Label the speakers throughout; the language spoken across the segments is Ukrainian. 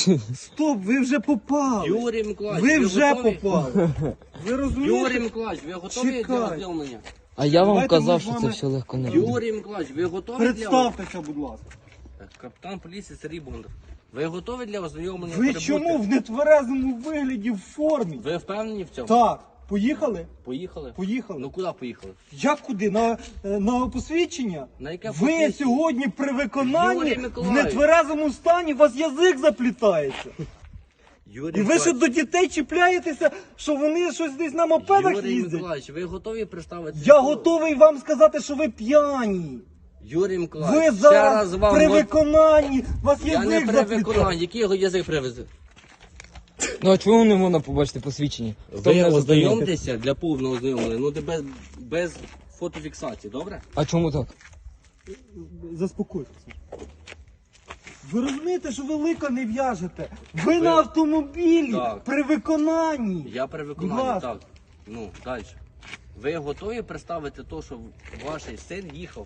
Speaker 1: Стоп, ви вже попали.
Speaker 2: Юрій Миколаївич,
Speaker 1: Ви вже
Speaker 2: готові?
Speaker 1: попали. Ви розумієте?
Speaker 2: Юрій Миколаївич, ви готові
Speaker 1: Чекай.
Speaker 2: для ознайомлення?
Speaker 3: А я вам
Speaker 1: Давайте ми
Speaker 3: казав,
Speaker 1: з
Speaker 3: що це
Speaker 1: вами-
Speaker 3: все легко не робити.
Speaker 2: Юрій Миколаївич, ви готові
Speaker 1: Представтеся, будь ласка.
Speaker 2: для... Капітан поліції Сергій Бондар. Ви готові для ознайомлення?
Speaker 1: Ви
Speaker 2: прибути?
Speaker 1: чому в нетверезому вигляді в формі?
Speaker 2: Ви впевнені в цьому?
Speaker 1: Так, поїхали?
Speaker 2: Поїхали?
Speaker 1: Поїхали.
Speaker 2: Ну куди поїхали?
Speaker 1: Як куди? На посвідчення?
Speaker 2: На яке
Speaker 1: Ви
Speaker 2: посвідчення?
Speaker 1: сьогодні при виконанні
Speaker 2: Юрій
Speaker 1: в
Speaker 2: Миколаївич.
Speaker 1: нетверезому стані у вас язик заплітається.
Speaker 2: Юрій
Speaker 1: І ви ще до дітей чіпляєтеся, що вони щось десь на мопедах
Speaker 2: Юрій
Speaker 1: їздять.
Speaker 2: Миколаївич, ви готові представити?
Speaker 1: Я готовий вам сказати, що ви п'яні.
Speaker 2: Юрій
Speaker 1: Ви
Speaker 2: Миколаївич, ще
Speaker 1: зараз
Speaker 2: раз вам...
Speaker 1: при виконанні, у вас
Speaker 2: Я не
Speaker 1: язик
Speaker 2: при
Speaker 1: заплітається.
Speaker 2: виконанні. Який його язик привезе?
Speaker 3: Ну а чому не можна побачити посвідчення? Хто
Speaker 2: Ви
Speaker 3: мене зазнайомить?
Speaker 2: ознайомтеся для повного ознайомлення, ну без фотофіксації, добре?
Speaker 3: А чому так?
Speaker 1: Заспокойтеся. Ви розумієте, що ви лика не в'яжете? Ви на автомобілі
Speaker 2: Так.
Speaker 1: при виконанні.
Speaker 2: Я при
Speaker 1: Будь
Speaker 2: виконанні,
Speaker 1: ласка.
Speaker 2: так. Ну, далі. Ви готові представити те, що ваш син їхав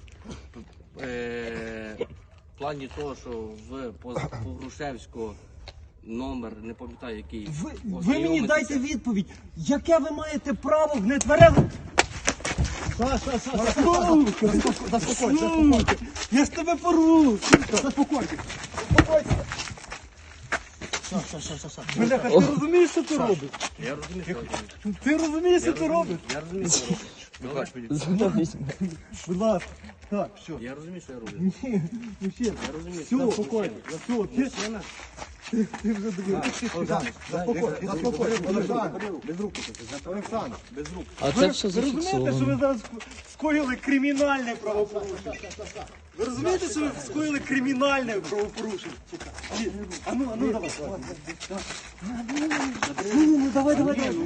Speaker 2: в плані того, що по Грушевського номер, не пам'ятаю який.
Speaker 1: Ви мені
Speaker 2: ознайомитися?
Speaker 1: дайте відповідь, яке ви маєте право в нетверезому... Заспокойся. Я ж тебе порву. Заспокойся. Бляха, ти розумієш, що ти робиш?
Speaker 2: Я розумію, що ви робите.
Speaker 1: Ти розумієш, що ти робиш?
Speaker 2: Я розумію, що ви робите. Добре?
Speaker 1: Будь ласка. Так, все.
Speaker 2: Я розумію, що я роблю.
Speaker 1: Ні, мужчина.
Speaker 2: Я розумію,
Speaker 1: Все,
Speaker 2: що
Speaker 1: спокійно. Все,
Speaker 2: Мужчина?
Speaker 1: ти вже дивився. Олександр, без рук.
Speaker 3: А це все
Speaker 1: Ви розумієте, що ви
Speaker 3: зафіксовано.
Speaker 1: зараз скоїли кримінальне правопорушення? Ви розумієте, що ви скоїли кримінальне правопорушення? А ну, давай. Ну, давай.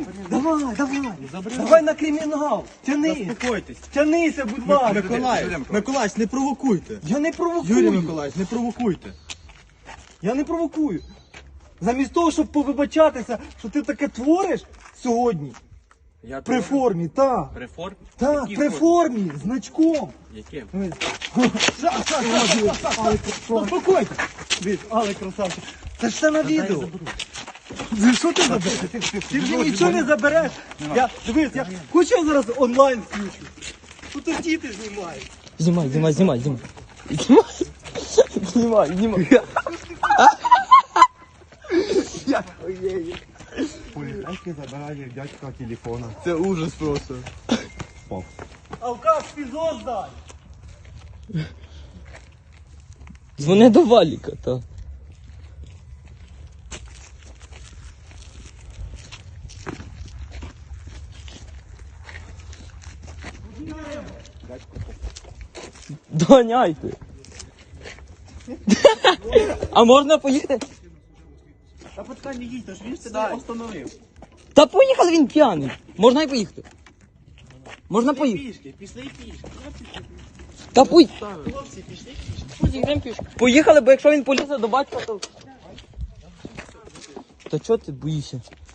Speaker 1: Давай на кримінал. Тянись.
Speaker 4: Заспокойтесь.
Speaker 1: Тянися, будь ласка.
Speaker 4: Миколаївич, не провокуйте.
Speaker 1: Я не провокую.
Speaker 4: Юрій Миколаївич, не провокуйте.
Speaker 1: Я не провокую. Замість того, щоб повибачатися, що ти таке твориш сьогодні,
Speaker 2: Я
Speaker 1: при
Speaker 2: тут-
Speaker 1: формі, так.
Speaker 2: При формі?
Speaker 1: Так,
Speaker 2: Якій
Speaker 1: при формі, значком.
Speaker 2: Яким?
Speaker 1: Заспокойся. Дивись, але красавчик. Це ж все на відео. Що ти забереш? Ти вже нічого не забереш. Дивись, хочу я зараз онлайн включу. Тут діти знімають.
Speaker 3: Знімай.
Speaker 4: Поліцейський забирає дядька телефона. Це ужас просто.
Speaker 1: Алкаш, фізо здай.
Speaker 3: Дзвони до Валіка, та. Доганяйте. А можна поїхати?
Speaker 4: Та почекай, не їдь, ж він себе остановив.
Speaker 3: Та поїхали, він п'яний. Можна і поїхати. Можна поїхати.
Speaker 4: Пішки, пішли пішки.
Speaker 3: Та
Speaker 4: Хлопці, пішли пішки.
Speaker 3: поїхали, бо якщо він полізе до батька, то... Та чого ти боїшся?